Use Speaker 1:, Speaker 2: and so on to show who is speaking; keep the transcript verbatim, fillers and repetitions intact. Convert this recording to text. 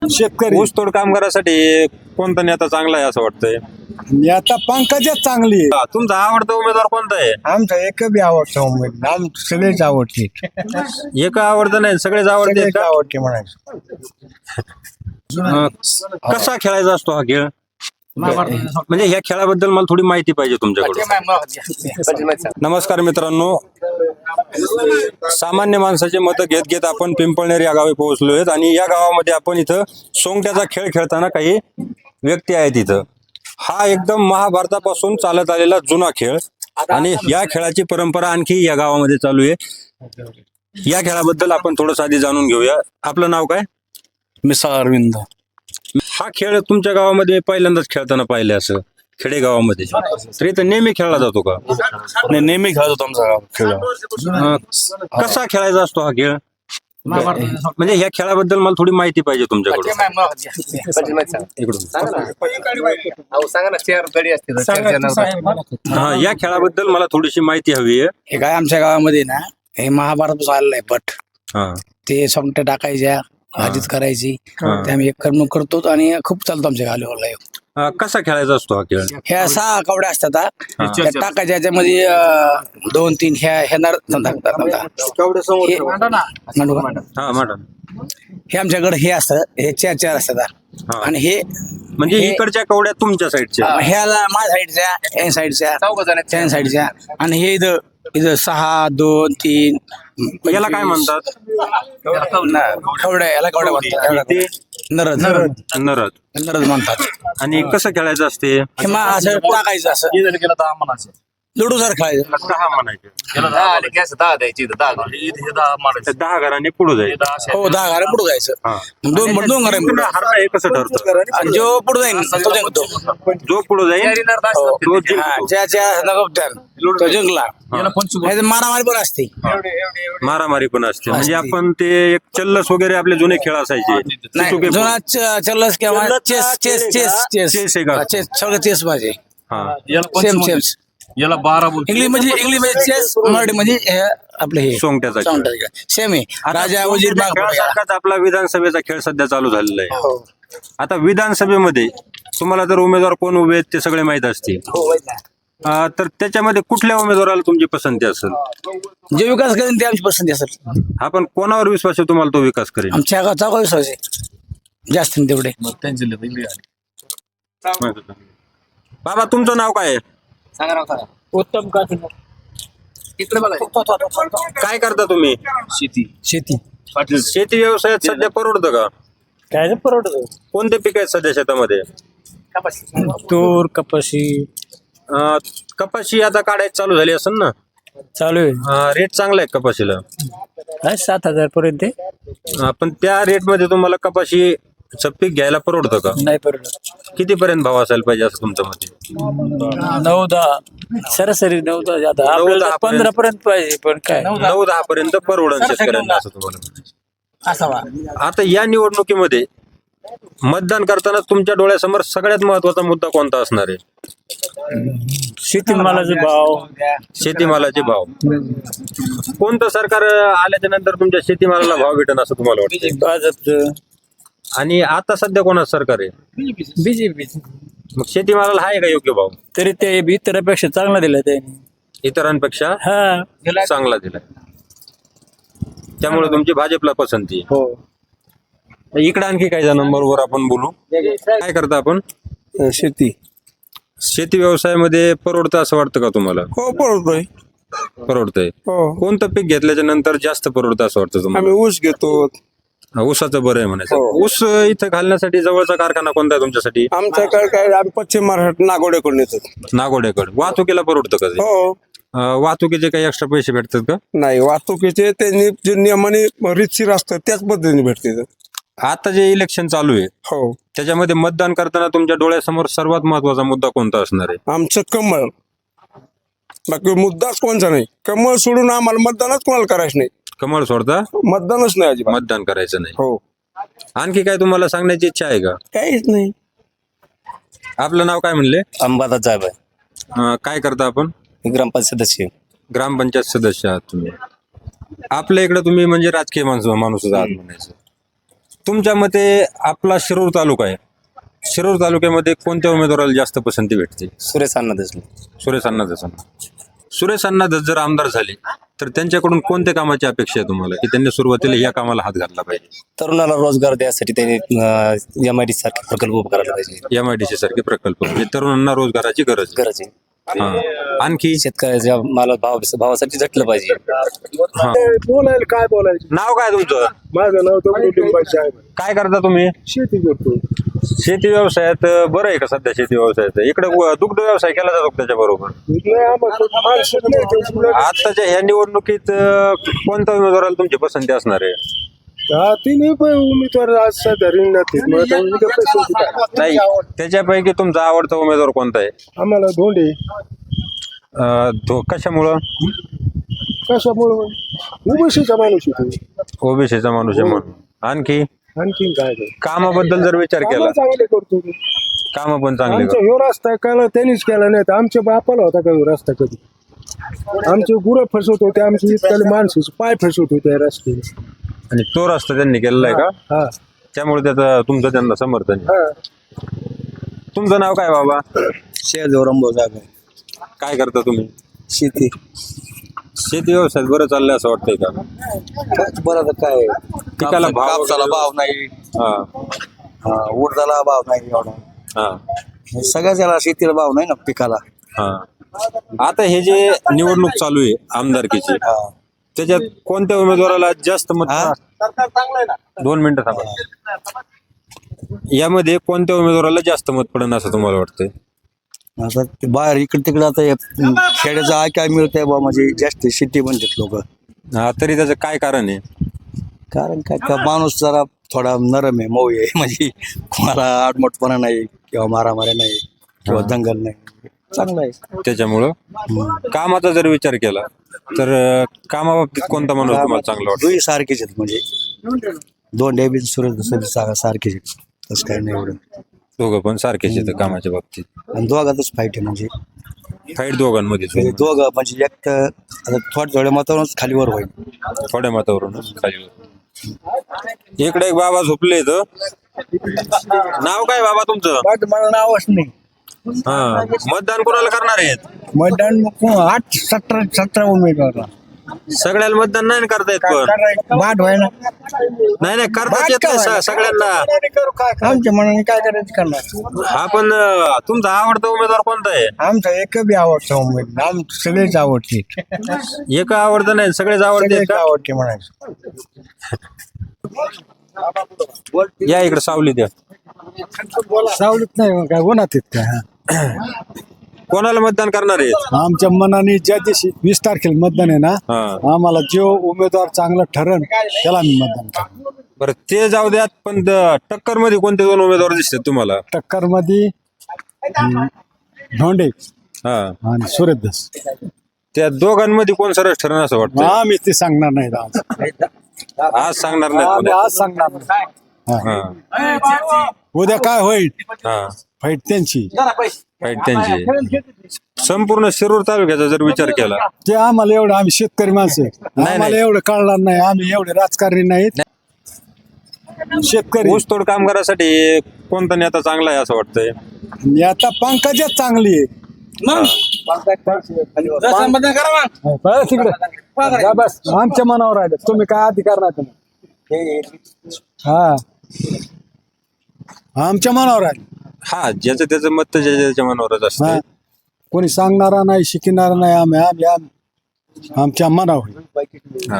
Speaker 1: शेतकरी
Speaker 2: ऊसतोड कामगारासाठी कोणता नेता चांगला आहे असं वाटतंय?
Speaker 1: आता पंकजच चांगली आहे.
Speaker 2: हा, तुमचा आवडता उमेदवार कोणता आहे?
Speaker 1: आमचा एक बी आवडतो उमेद आम सगळेच आवडते
Speaker 2: एक आवडतं नाही, सगळेच आवडते
Speaker 1: सगळेच
Speaker 2: का?
Speaker 1: आवडते म्हणायचं.
Speaker 2: अं, कसा खेळायचा असतो हा खेळ? म्हणजे ह्या खेळाबद्दल मला थोडी माहिती पाहिजे तुमच्याकडून. नमस्कार मित्रांनो, सामान्य माणसाचे मतं घेत घेत आपण पिंपळनेर या गावी पोहोचलो आहेत आणि या गावामध्ये आपण इथं सोंगट्याचा खेळ खेळताना काही व्यक्ती आहेत इथं. हा एकदम महाभारतापासून चालत आलेला जुना खेळ आणि या खेळाची परंपरा आणखी या गावामध्ये चालू आहे. या खेळाबद्दल आपण थोडंसं आधी जाणून घेऊया. आपलं नाव काय?
Speaker 3: मिसाळ अरविंद.
Speaker 2: हा खेळ तुमच्या गावामध्ये पहिल्यांदाच खेळताना पाहिले असं खेडेगावामध्ये, तर इथं नेहमी खेळला जातो का?
Speaker 3: नाही, नेहमी खेळत होतो आमचा गाव खेळ.
Speaker 2: अं, कसा खेळायचा असतो हा खेळ? म्हणजे ह्या खेळाबद्दल मला थोडी माहिती पाहिजे तुमच्याकडून. इकडून हा, या खेळाबद्दल मला थोडीशी माहिती हवी आहे.
Speaker 4: हे काय आमच्या गावामध्ये ना हे महाभारत आलेलं आहे पट.
Speaker 2: हा
Speaker 4: ते सोंगट्या टाकायच्या, भाजीत करायची, ते आम्ही एक कर्म करतो आणि खूप चालतो आमच्या गावाला.
Speaker 2: अं, कसा खेळायचा असतो हा खेळ?
Speaker 4: ह्या सहा कवड्या असतात हा. त्या टाकायच्या याच्यामध्ये अं, दोन तीन ह्या ह्या नर हे मांडू का?
Speaker 2: हा मॅडम,
Speaker 4: हे आमच्याकडे हे असतं, हे चार चार असतात हा. आणि हे
Speaker 2: म्हणजे इकडच्या कवड्या तुमच्या साईडच्या?
Speaker 4: अं, ह्याला माझ्या साईडच्या, या साईडच्या, त्या साईडच्या, आणि हे इथं इथं सहा दोन तीन.
Speaker 2: याला काय म्हणतात?
Speaker 4: कवड्या, याला कवड्या म्हणतात.
Speaker 2: ते
Speaker 4: नरद
Speaker 2: नरद
Speaker 4: नरद म्हणतात.
Speaker 2: आणि कसं खेळायचं असते?
Speaker 4: हे मग असं टाकायचं, असं लुडू सर खेळायचं.
Speaker 2: दहा म्हणायचे, दहा घराने पुढे जाईल.
Speaker 4: हो, दहा घरा पुढे जायचं.
Speaker 2: हा.
Speaker 4: दोन दोन घरा पुढे.
Speaker 2: हरला हे कसं ठरतं?
Speaker 4: आणि जो पुढे जाईल तो जिंकतो.
Speaker 2: जो पुढे जाईल तो
Speaker 4: हा,
Speaker 2: जिंकतो.
Speaker 4: ज्या ज्या नगोपत्यान तो जिंकला. नाहीतर मारामारी पण असते.
Speaker 2: मारामारी पण असते. म्हणजे आपण ते एक चल्लस वगैरे आपले जुने खेळ असायचे.
Speaker 4: नाही,
Speaker 2: सुटुके पण.
Speaker 4: जुना च- चल्लस किंवा chess chess chess chess
Speaker 2: chess आहे का?
Speaker 4: चेस, सगळं चेस पाहिजे.
Speaker 2: हा.
Speaker 4: Same same.
Speaker 3: याला बारा
Speaker 4: इंग्लिश म्हणजे इंग्लिश म्हणजे चेस, मराठी म्हणजे हे आपलं हे
Speaker 2: सोंगट्याचा खेळ.
Speaker 4: सेम आहे. राजा वजीर बाग पुढे.
Speaker 2: खेळासारखाच आपला विधानसभेचा खेळ सध्या चालू झालेला आहे.
Speaker 4: हो
Speaker 2: आता विधानसभेमध्ये तुम्हाला जर उमेदवार कोण उभे आहेत ते सगळे माहित असतील.
Speaker 4: हो, माहित आहे.
Speaker 2: अं, तर त्याच्यामध्ये कुठल्या उमेदवाराला तुमची पसंती असेल?
Speaker 4: जे विकास करेन ते आमची पसंती असेल.
Speaker 2: आपण कोणावर विश्वास आहे तुम्हाला तो विकास करेल?
Speaker 4: आमच्या गावचा काही विश्वास आहे जास्त नाही तेवढे.
Speaker 2: बाबा, तुमचं नाव काय आहे?
Speaker 4: उत्तम का तिकडे बघा.
Speaker 2: काय करता तुम्ही?
Speaker 3: शेती.
Speaker 4: शेती
Speaker 2: शेती व्यवसायात सध्या परवडतं का?
Speaker 4: काय परवडत.
Speaker 2: कोणते पीक आहेत सध्या शेतामध्ये?
Speaker 4: तूर, कपाशी
Speaker 2: अं, कपाशी आता काढायची चालू झाली असेल ना?
Speaker 4: चालू आहे.
Speaker 2: अं, रेट चांगला आहे कपाशीला.
Speaker 4: काय सात हजार पर्यंत
Speaker 2: अं, पण त्या रेट मध्ये तुम्हाला कपाशी पीक घ्यायला परवडतं का?
Speaker 4: नाही परवडत.
Speaker 2: किती पर्यंत भाव असायला पाहिजे असं तुमच्या मते?
Speaker 4: नऊ दहा सरासरी नऊ दहा जाता.
Speaker 2: नऊ
Speaker 4: आपल्याला
Speaker 2: दहा
Speaker 4: पंधरा पर्यंत पाहिजे पण काय
Speaker 2: नऊ दहा पर्यंत परवडन शेतकऱ्यांना असं तुम्हाला म्हणायचं.
Speaker 4: असावा.
Speaker 2: आता या निवडणुकीमध्ये मतदान करताना तुमच्या डोळ्यासमोर सगळ्यात महत्वाचा मुद्दा कोणता असणार आहे?
Speaker 4: शेतीमालाचे भाव.
Speaker 2: शेतीमालाचे भाव. कोणतं सरकार आल्याच्या नंतर तुमच्या शेतीमालाला भाव भेटेल असं तुम्हाला वाटतं?
Speaker 4: भाजपचं.
Speaker 2: आणि आता सध्या कोणाचं सरकार आहे?
Speaker 4: बीजेपी.
Speaker 2: मग शेतीमालाला आहे का योग्य भाव?
Speaker 4: तरी ते इतरांपेक्षा चांगला दिला त्यांनी.
Speaker 2: इतरांपेक्षा
Speaker 4: हा.
Speaker 2: चांगला दिला, त्यामुळे तुमची भाजपला पसंती आहे.
Speaker 4: हो.
Speaker 2: इकडे आणखी काही जणांबरोबर आपण बोलू. काय करता आपण?
Speaker 1: शेती.
Speaker 2: शेती व्यवसायामध्ये परवडतं असं वाटतं का तुम्हाला?
Speaker 1: हो, परवडतोय.
Speaker 2: परवडतंय.
Speaker 1: हो,
Speaker 2: कोणतं पीक घेतल्याच्या नंतर जास्त परवडतं असं वाटतं तुम्हाला?
Speaker 1: आम्ही ऊस घेतो.
Speaker 2: हा, ऊसाचं बरं आहे म्हणायचं.
Speaker 1: हो.
Speaker 2: ऊस इथं घालण्यासाठी जवळचा कारखाना कोणता आहे तुमच्यासाठी?
Speaker 1: आमच्याकडे काय आम्ही पश्चिम महाराष्ट्र नागोड्याकडून येतो.
Speaker 2: नागोड्याकडे. वाहतुकीला परवडतं का ते?
Speaker 1: हो.
Speaker 2: अं, वाहतुकीचे काही एक्स्ट्रा पैसे भेटतात का?
Speaker 1: नाही, वाहतुकीचे त्यांनी जे नियमाने रीतशीर असतं त्याच पद्धतीने भेटते.
Speaker 2: आता जे इलेक्शन चालू आहे
Speaker 1: हो,
Speaker 2: त्याच्यामध्ये मतदान करताना तुमच्या डोळ्यासमोर सर्वात महत्वाचा मुद्दा कोणता असणार आहे?
Speaker 1: आमचं कमळ. बाकी मुद्दाच कोणचा नाही. कमळ सोडून आम्हाला मतदानच कोणाला करायचं नाही.
Speaker 2: कमळ सोडता
Speaker 1: मतदानच नाही अजिबात.
Speaker 2: मतदान करायचं नाही.
Speaker 1: हो,
Speaker 2: आणखी काय तुम्हाला सांगण्याची इच्छा आहे का?
Speaker 1: काहीच नाही.
Speaker 2: आपलं नाव काय म्हणले?
Speaker 3: अंबादास साहेब आहे.
Speaker 2: अं, काय करता आपण?
Speaker 3: ग्रामपंचायत सदस्य.
Speaker 2: ग्रामपंचायत सदस्य आहात तुम्ही. आपल्या इकडे तुम्ही म्हणजे राजकीय माणूस माणूस आहात म्हणायचं. तुमच्या मते आपला शिरूर तालुका आहे, शिरूर तालुक्यामध्ये कोणत्या उमेदवाराला जास्त पसंती भेटते?
Speaker 3: सुरेश अण्णा देशमुख.
Speaker 2: सुरेश अण्णा धस. सुरेश अण्णा धस जर आमदार झाले तर त्यांच्याकडून कोणत्या कामाची अपेक्षा आहे तुम्हाला, की त्यांनी सुरुवातीला या कामाला हात घातला पाहिजे?
Speaker 3: तरुणाला रोजगार द्यासाठी त्यांनी एम आय डी सारखे प्रकल्प उभे करायला पाहिजे.
Speaker 2: एम आय डी सी सारखे प्रकल्प, म्हणजे तरुणांना रोजगाराची गरज आहे.
Speaker 3: गरज आहे.
Speaker 2: हा. आणखी
Speaker 3: शेतकऱ्याच्या माला भाव भावासाठी झटलं पाहिजे.
Speaker 2: हा.
Speaker 1: बोलायला काय बोलायचं.
Speaker 2: नाव काय तुमचं?
Speaker 1: माझं नाव तर लिंबाचे आहे.
Speaker 2: काय करता तुम्ही?
Speaker 1: शेती करतो.
Speaker 2: शेती व्यवसायात बरं आहे का सध्या शेती व्यवसायात? इकडे दुग्ध व्यवसाय केला जातो त्याच्या बरोबर.
Speaker 1: नाही, आम्हाला माणसं नाही ते.
Speaker 2: आताच्या ह्या निवडणुकीत अं, कोणत्या उमेदवाराला तुमची पसंती असणार आहे?
Speaker 1: हा, तिन्ही पण उमेदवार आज सध्या रिंगणात आहेत. मग आता उद्या पसंती काय?
Speaker 2: नाही, त्याच्यापैकी तुमचा आवडता उमेदवार कोणता आहे?
Speaker 1: आम्हाला धोंडे.
Speaker 2: अं, तो कशामुळं?
Speaker 1: कशामुळं? उभशीचा माणूस होतो.
Speaker 2: ओबीसीचा माणूस आहे म्हणून. आणखी
Speaker 1: आणखीन काय नाही.
Speaker 2: कामाबद्दल जर विचार केला,
Speaker 1: कामं चांगले करतो.
Speaker 2: काम पण चांगले
Speaker 1: आमचा
Speaker 2: करतो.
Speaker 1: ह्यो रस्ता केला त्यांनीच केला नाही तर आमच्या बापाला होता का ह्यो रस्ता कधी? आमचे गुरं फसवत होते, आमचे इतकाले माणसाचे पाय फसवत होते रस्ते.
Speaker 2: आणि तो रस्ता त्यांनी केलेला आहे का?
Speaker 1: हा
Speaker 2: त्यामुळे त्याचं तुमचं त्यांना समर्थन आहे.
Speaker 1: हा.
Speaker 2: तुमचं नाव काय बाबा?
Speaker 3: शेजोरंबो जागा
Speaker 2: काय करता तुम्ही?
Speaker 3: शेती.
Speaker 2: शेती व्यवसायात बरं चाललंय असं वाटतंय का?
Speaker 3: बरं काय
Speaker 2: पिकाला भाव
Speaker 3: कापसाला
Speaker 2: वगैरे?
Speaker 3: भाव नाही,
Speaker 2: हा
Speaker 3: उडदाला भाव नाही एवढा.
Speaker 2: हा
Speaker 3: सगळ्याच याला शेतीला भाव नाही ना पिकाला.
Speaker 2: हा. आता हे जे निवडणूक चालू आहे आमदारकीची, त्याच्यात कोणत्या उमेदवाराला जास्त मत? दोन मिनिटं थांबा. यामध्ये कोणत्या उमेदवाराला जास्त मत पडेल असं तुम्हाला वाटतंय?
Speaker 3: आता ते बाहेर इकडे तिकडे आता हे खेड्याचं आहे काय मिळतंय बा, म्हणजे जास्त शेती म्हणतात लोक.
Speaker 2: हा, तरी त्याचं काय कारण आहे?
Speaker 3: कारण काय का माणूस जरा थोडा नरम आहे, मऊ आहे, म्हणजे कोणाला आडमटपणा नाही किंवा मारामाऱ्या नाही किंवा दंगल नाही, चांगलं आहे.
Speaker 2: त्याच्यामुळं कामाचा जर विचार केला तर अं, कामाबाबतीत कोणता माणूस तुम्हाला चांगला वाटतो?
Speaker 3: दोन्ही सारखेच आहेत, म्हणजे दोन डेबी सुरेश सारखेच आहेत, तसं काही नाही एवढं.
Speaker 2: दोघं पण सारखेच येतं कामाच्या बाबतीत.
Speaker 3: आणि दोघातच फाईट आहे, म्हणजे
Speaker 2: फाईट दोघांमध्ये
Speaker 3: म्हणजे दोघं म्हणजे एक तर आता थोड्या थोड्या मतावरूनच खालीवर होईल.
Speaker 2: थोड्या मतावरून खाली. इकडे एक बाबा झोपले इथं. नाव काय बाबा तुमचं?
Speaker 4: मला नावच नाही.
Speaker 2: हा, मतदान कोणाला करणार आहेत?
Speaker 4: मतदान आठ सतरा सतरा उमेदवार
Speaker 2: सगळ्याला मतदान नाही करता येत, पण
Speaker 4: वाद व्हाय ना.
Speaker 2: नाही नाही करता येत नाही स- सगळ्यांना.
Speaker 4: आमच्या मनाने काय करायचं करणार.
Speaker 2: हा, पण अं, तुमचा आवडता उमेदवार कोणता आहे?
Speaker 4: आमचा एक बी आवडता उमेदवार, आम सगळेच आवडते.
Speaker 2: एक आवडतं नाही, सगळेच आवडते
Speaker 4: सगळेच
Speaker 2: का?
Speaker 4: आवडते म्हणायचं.
Speaker 2: या इकडे सावली द्या.
Speaker 5: सावलीत नाही मग काय उन्हात आहेत काय.
Speaker 2: कोणाला मतदान करणार आहेत?
Speaker 5: आमच्या मनाने ज्या दिवशी वीस तारखेला मतदान आहे ना,
Speaker 2: हा,
Speaker 5: आम्हाला जो उमेदवार चांगला ठरण त्याला आम्ही मतदान करू.
Speaker 2: बरं ते जाऊ द्यात, पण टक्कर मध्ये कोणते दोन उमेदवार दिसतात तुम्हाला?
Speaker 5: टक्कर मध्ये धोंडे
Speaker 2: हा,
Speaker 5: आणि सुरेश.
Speaker 2: त्या दोघांमध्ये कोण सरस ठरण असं वाटतं?
Speaker 5: आम्ही ते सांगणार नाही आज.
Speaker 2: आज सांगणार नाही
Speaker 5: आम्ही
Speaker 2: कोणी.
Speaker 5: आज सांगणार नाही.
Speaker 2: हा,
Speaker 5: उद्या काय होईल
Speaker 2: हा,
Speaker 5: फाईट त्यांची.
Speaker 2: फाईट त्यांची. संपूर्ण शिरूर तालुक्याचा जर विचार केला,
Speaker 5: ते आम्हाला एवढं, आम्ही शेतकरी माणसं आहे. आम्हाला
Speaker 2: नाही.
Speaker 5: एवढं कळणार नाही, आम्ही एवढे राजकारणी नाहीत, शेतकरी.
Speaker 2: ऊसतोड कामगारासाठी कोणता नेता चांगला आहे असं वाटतंय?
Speaker 5: आणि आता पंकजच चांगली आहे. बरं, तिकडे जा बस. आमच्या मनावर राहिलं, तुम्ही काय अधिकार नाही तुम्ही. हा, आमच्या मनावर आहे.
Speaker 2: हा, ज्याचं त्याचं मत तर ज्याच्या त्याच्या मनावरच
Speaker 5: हा,
Speaker 2: असतं.
Speaker 5: कोणी सांगणारा नाही, शिकणारा नाही. आम्ही आम्ही आम्ही- आमच्या मनावर.